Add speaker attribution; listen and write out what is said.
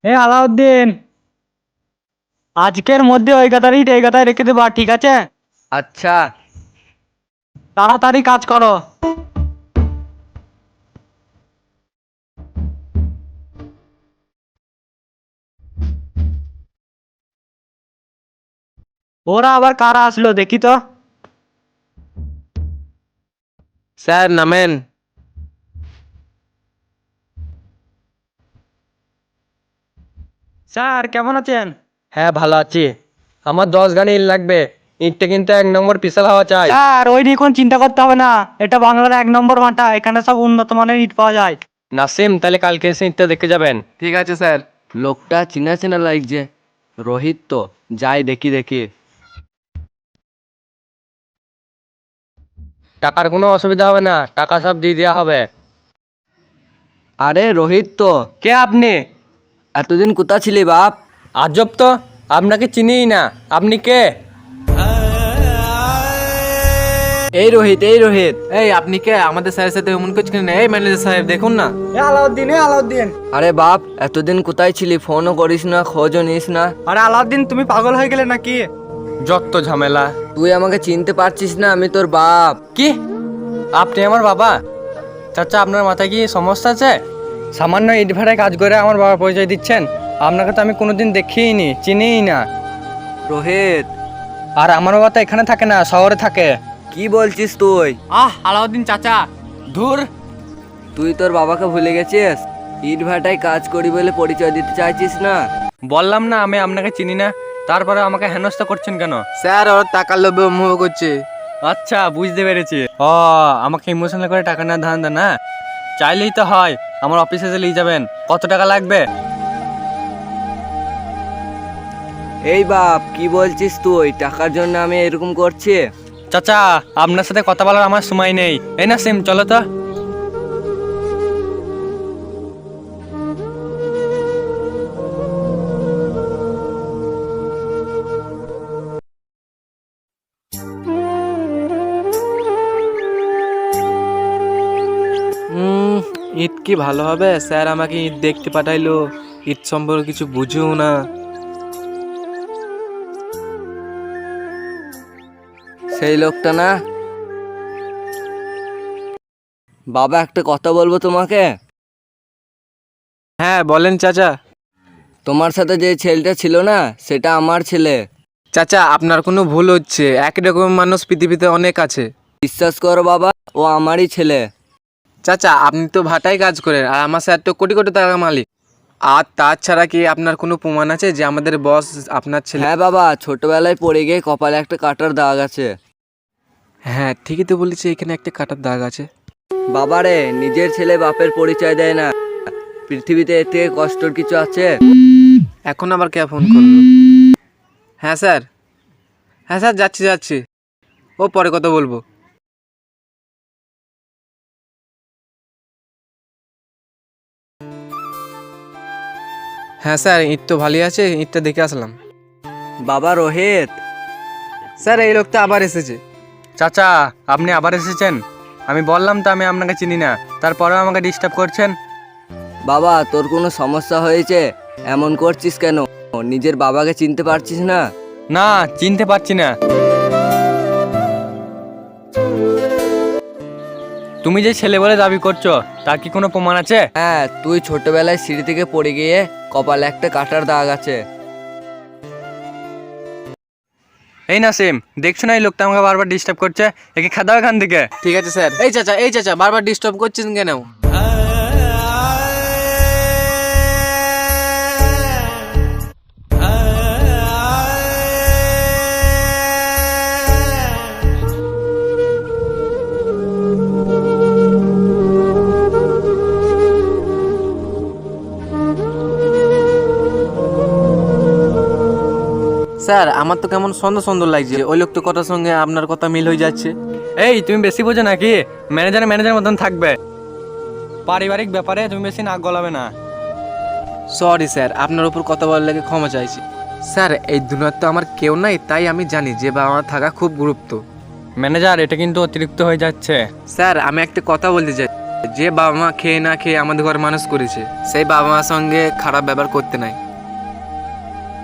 Speaker 1: আলাউদ্দিন, আজকের মধ্যে ওই গাদারই এই গাদায় রেখে দেবা, ঠিক আছে?
Speaker 2: আচ্ছা।
Speaker 1: তাড়াতাড়ি কাজ করো। ওরা আবার কারা আসলো দেখি তো।
Speaker 2: স্যার নামেন।
Speaker 1: স্যার কেমন আছেন?
Speaker 2: হ্যাঁ ভালো আছি। আমার 10 গানি ইট লাগবে। ইটটা কিন্তু 1 নম্বর পিসাল হওয়া চাই।
Speaker 1: স্যার ওই নিয়ে কোনো চিন্তা করতে হবে না, এটা বাংলার 1 নম্বর ভাটা, এখানে সব উন্নত মানের ইট পাওয়া যায়।
Speaker 2: নাসিম, তাহলে কালকে এসে ইটটা দেখে যাবেন।
Speaker 3: ঠিক আছে স্যার।
Speaker 2: লোকটা চেনা চেনা লাগছে। রোহিত তো, যাই দেখি দেখি। টাকার কোনো অসুবিধা হবে না, টাকা সব দিয়ে দেওয়া হবে। আরে রোহিত তো। কে আপনি? এতদিন কোথা ছিলি বাপ? আজব তো, আপনাকে চিনিই না। আপনি কে? এই রোহিত, এই রোহিত।
Speaker 3: এই আপনি কে আমাদের স্যারের সাথে এমন করছেন? এই ম্যানেজার সাহেব দেখুন না।
Speaker 1: আলাউদ্দিন, আলাউদ্দিন।
Speaker 2: আরে বাপ, এতদিন কোথায় ছিলি? ফোনও করিস না, খোঁজও নিস না।
Speaker 1: আরে আলাউদ্দিন, তুমি পাগল হয়ে গেলে নাকি?
Speaker 2: যত ঝামেলা। তুই আমাকে চিনতে পারছিস না? আমি তোর বাপ। কি? আপনি আমার বাবা? চাচা, আপনার মাথায় কি সমস্যা আছে? সামান্য ইট ভাড়ায় কাজ করে আমার বাবার পরিচয় দিচ্ছেন? আপনাকে তো আমি কোনোদিন দেখিই চিনিই না। রোহিত। আর আমার বাবা তো এখানে থাকে না, শহরে থাকে। কি বলছিস তুই?
Speaker 1: আলাউদ্দিন চাচা।
Speaker 2: ধুর, তুই তোর বাবাকে ভুলে গেছিস? ইট ভাটায় কাজ করি বলে পরিচয় দিতে চাইছিস না? বললাম না আমি আপনাকে চিনি না, তারপরে আমাকে হেনস্থা করছেন কেন?
Speaker 3: স্যার ওর টাকার লোভে মুভ করছে।
Speaker 2: আচ্ছা, বুঝতে পেরেছি। ও, আমাকে ইমোশনাল করে টাকা না ধান্দা না? চাইলেই তো হয়, আমার অফিসে এসে নিয়ে যাবেন। কত টাকা লাগবে? এই বাপ, কি বলছিস তুই? টাকার জন্য আমি এরকম করছি? চাচা, আপনার সাথে কথা বলার আমার সময় নেই। এই না সিম, চলো তো।
Speaker 3: ইট কি ভালো হবে? স্যার আমাকে ইট দেখতে পাঠাইলো, ইট সম্পর্কে কিছু বুঝেও না।
Speaker 2: সেই লোকটা না? বাবা, একটা কথা বলবো তোমাকে।
Speaker 3: হ্যাঁ বলেন চাচা।
Speaker 2: তোমার সাথে যে ছেলেটা ছিল না, সেটা আমার ছেলে।
Speaker 3: চাচা আপনার কোনো ভুল হচ্ছে, একই রকম মানুষ পৃথিবীতে অনেক আছে।
Speaker 2: বিশ্বাস করো বাবা, ও আমারই ছেলে।
Speaker 3: চাচা আপনি তো ভাটায় কাজ করেন, আর আমার স্যার তো কোটি কোটি টাকার মালিক। আর তাছাড়া কি আপনার কোনো প্রমাণ আছে যে আমাদের বস আপনার ছেলে?
Speaker 2: হ্যাঁ বাবা, ছোটবেলায় পড়ে গিয়ে কপালে একটা কাটার দাগ আছে।
Speaker 3: হ্যাঁ ঠিকই তো বলেছি, এখানে একটা কাটার দাগ আছে।
Speaker 2: বাবারে, নিজের ছেলে বাপের পরিচয় দেয় না, পৃথিবীতে এর থেকে কষ্টর কিছু আছে?
Speaker 3: এখন আবার কে ফোন করলো? হ্যাঁ স্যার, হ্যাঁ স্যার, যাচ্ছি যাচ্ছি। ও পরে কথা বলবো। হ্যাঁ স্যার, ইট তো ভালোই আছে, ইটটা দেখে আসলাম।
Speaker 2: বাবা রোহিত।
Speaker 3: স্যার এই লোকটা আবার এসেছে।
Speaker 2: চাচা, আপনি আবার এসেছেন? আমি বললাম তো আমি আপনাকে চিনি না, তারপরেও আমাকে ডিস্টার্ব করছেন। বাবা, তোর কোনো সমস্যা হয়েছে? এমন করছিস কেন? নিজের বাবাকে চিনতে পারছিস না? না, চিনতে পারছি না। তুমি যে ছেলে বলে দাবি করছো, তার কি কোনো প্রমাণ আছে? হ্যাঁ, তুই ছোটবেলায় সিঁড়ি থেকে পড়ে গিয়ে কপালে একটা কাটার দাগ আছে। এই নাসিম, দেখছো না এই লোকটা আমাকে বারবার ডিস্টার্ব করছে? একে খাদাও এখান থেকে।
Speaker 3: ঠিক আছে স্যার। এই চাচা, এই চাচা, বারবার ডিস্টার্ব করছেন কেন? স্যার আমার তো কেমন সুন্দর সুন্দর লাগছে, ওই লোক তো কথার সঙ্গে আপনার কথা মিল হয়ে যাচ্ছে।
Speaker 2: এই, তুমি বেশি বোঝো নাকি? ম্যানেজার মতন থাকবে। পারিবারিক ব্যাপারে তুমি বেশি নাক গলাবে না।
Speaker 3: সরি স্যার, আপনার উপর কথা বলার লাগে ক্ষমা চাইছি। স্যার এই দুনিয়াতে তো আমার কেউ নাই, তাই আমি জানি যে বাবা মা থাকা খুব গুরুত্ব।
Speaker 2: ম্যানেজার, এটা কিন্তু অতিরিক্ত হয়ে যাচ্ছে।
Speaker 3: স্যার আমি একটা কথা বলতে চাই। যে বাবা মা খেয়ে না খেয়ে আমাদের ঘরে মানুষ করেছে, সেই বাবা মার সঙ্গে খারাপ ব্যবহার করতে নাই।